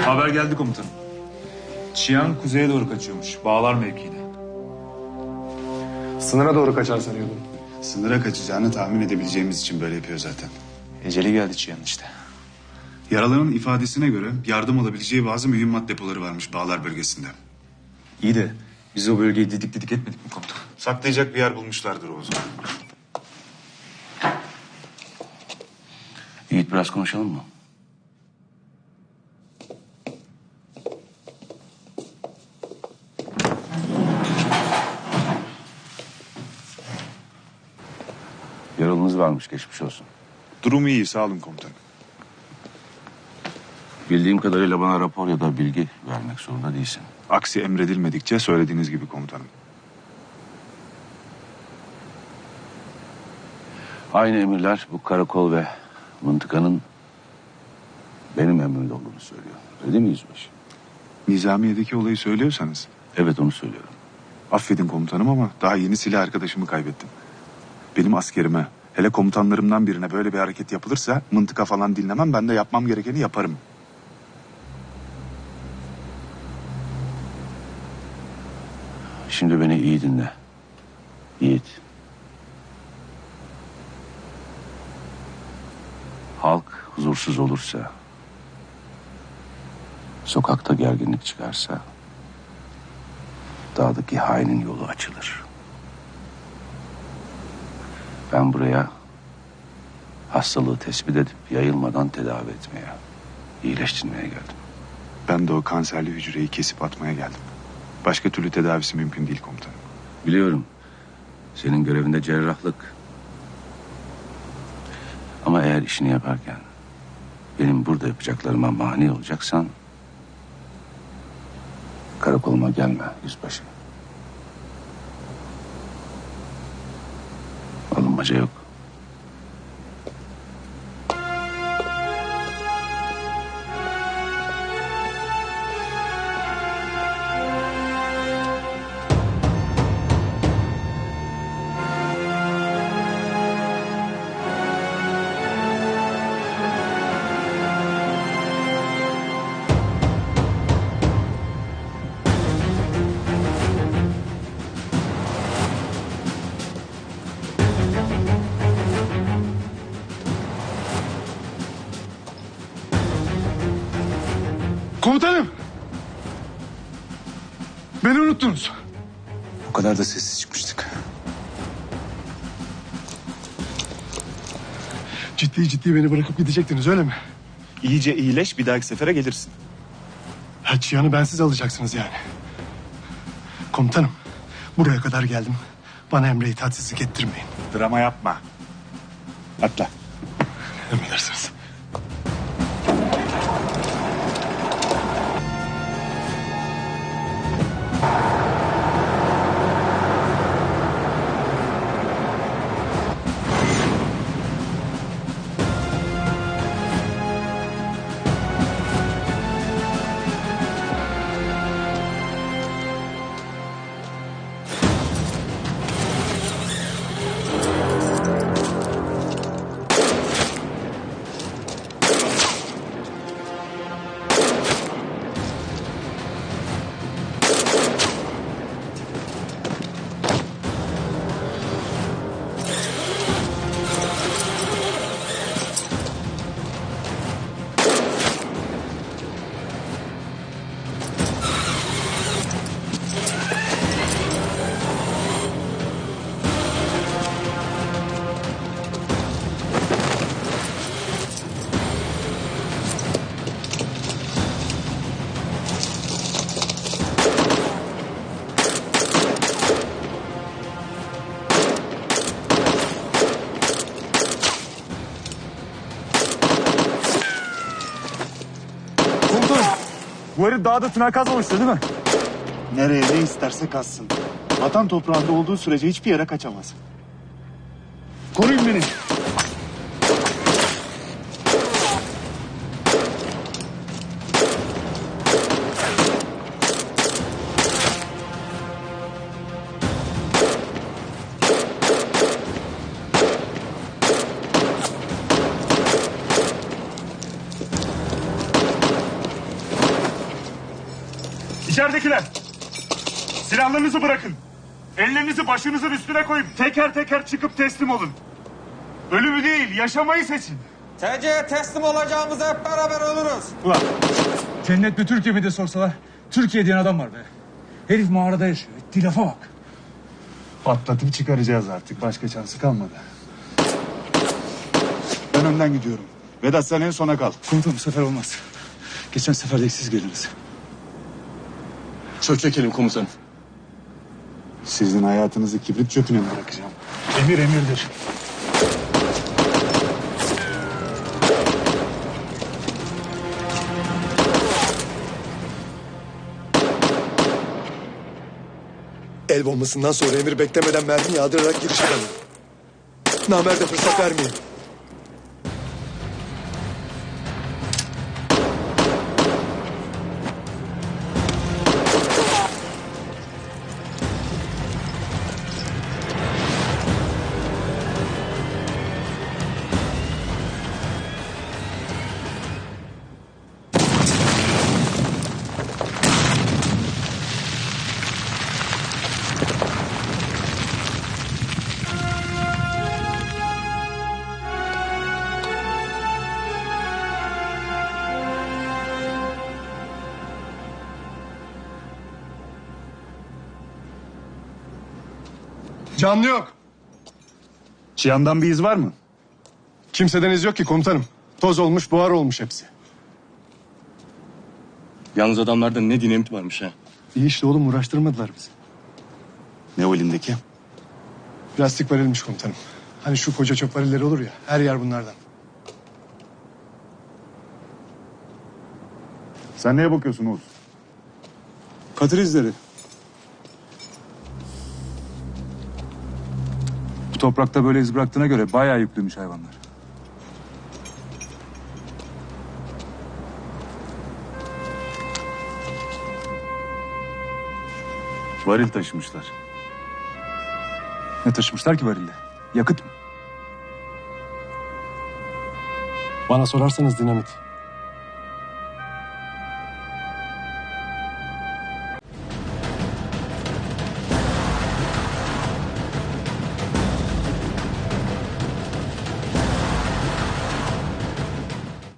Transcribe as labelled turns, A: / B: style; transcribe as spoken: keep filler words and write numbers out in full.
A: Haber geldi komutanım. Çiyan kuzeye doğru kaçıyormuş. Bağlar mevkiine.
B: Sınıra doğru kaçar sanıyordum.
C: Sınıra kaçacağını tahmin edebileceğimiz için böyle yapıyor zaten.
A: Eceli geldi Çiyan işte.
C: Yaralı'nın ifadesine göre yardım alabileceği bazı mühimmat depoları varmış Bağlar bölgesinde.
A: İyi de biz o bölgeyi didik didik etmedik mi komutanım?
C: Saklayacak bir yer bulmuşlardır o zaman.
D: Yiğit, biraz konuşalım mı? Yaralınız varmış, geçmiş olsun.
C: Durumu iyi, sağ olun komutanım.
D: Bildiğim kadarıyla bana rapor ya da bilgi vermek zorunda değilsin.
C: Aksi emredilmedikçe söylediğiniz gibi komutanım.
D: Aynı emirler bu karakol ve mıntıkanın benim emrimde olduğunu söylüyor. Öyle değil mi yüzbaşı?
C: Nizamiye'deki olayı söylüyorsanız...
D: Evet, onu söylüyorum.
C: Affedin komutanım ama daha yeni silah arkadaşımı kaybettim. Benim askerime, hele komutanlarımdan birine böyle bir hareket yapılırsa mıntıka falan dinlemem, ben de yapmam gerekeni yaparım.
D: Şimdi beni iyi dinle. Yiğit. Halk huzursuz olursa, sokakta gerginlik çıkarsa, dağdaki hainin yolu açılır. Ben buraya hastalığı tespit edip yayılmadan tedavi etmeye, iyileştirmeye geldim.
C: Ben de o kanserli hücreyi kesip atmaya geldim. Başka türlü tedavisi mümkün değil komutanım.
D: Biliyorum, senin görevinde cerrahlık. Ama eğer işini yaparken benim burada yapacaklarıma mani olacaksan karakoluma gelme yüzbaşı. Alınmaca yok.
B: Komutanım! Beni unuttunuz.
C: O kadar da sessiz çıkmıştık.
B: Ciddi ciddi beni bırakıp gidecektiniz, öyle mi?
C: İyice iyileş, bir dahaki sefere gelirsin.
B: Ha, Çiyan'ı bensiz alacaksınız yani. Komutanım, buraya kadar geldim. Bana emre itaatsizlik ettirmeyin.
C: Drama yapma. Atla.
B: Emredersiniz.
A: Bu herif dağda tünel kazmamıştır değil mi?
C: Nereye ne isterse kazsın. Vatan toprağında olduğu sürece hiçbir yere kaçamaz. Koruyun beni.
A: İçeridekiler. Silahlarınızı bırakın. Ellerinizi başınızın üstüne koyup teker teker çıkıp teslim olun. Ölümü değil, yaşamayı seçin.
E: T C'ye teslim olacağımızı hep beraber oluruz.
F: Ulan cennet mi Türkiye mi de sorsalar Türkiye diyen adam var be. Herif mağarada yaşıyor. Ettiği lafa bak.
C: Patlatıp çıkaracağız artık. Başka şansı kalmadı. Ben önden gidiyorum. Vedat sen en sona kal.
F: Komutanım bu sefer olmaz. Geçen sefer de siz geldiniz.
B: Çok çekelim komutanım.
C: Sizin hayatınızı kibrit çöpüne mi bırakacağım?
F: Emir emirdir.
B: El bombasından sonra emir beklemeden mermi yağdırarak giriş edelim. Namerde fırsat vermeyin. Canlı yok.
C: Cihan'dan bir iz var mı?
B: Kimseden iz yok ki komutanım. Toz olmuş, buhar olmuş hepsi.
G: Yalnız adamlarda ne dinamit varmış ha.
B: İyi işte oğlum, uğraştırmadılar bizi.
C: Ne o elindeki?
B: Plastik varilmiş komutanım. Hani şu koca çöp varilleri olur ya, her yer bunlardan.
C: Sen neye bakıyorsun Oğuz?
A: Katır izleri. Bu toprakta böyle iz bıraktığına göre bayağı yüklüymüş hayvanlar.
C: Varil taşımışlar.
A: Ne taşımışlar ki varilde? Yakıt mı?
B: Bana sorarsanız dinamit.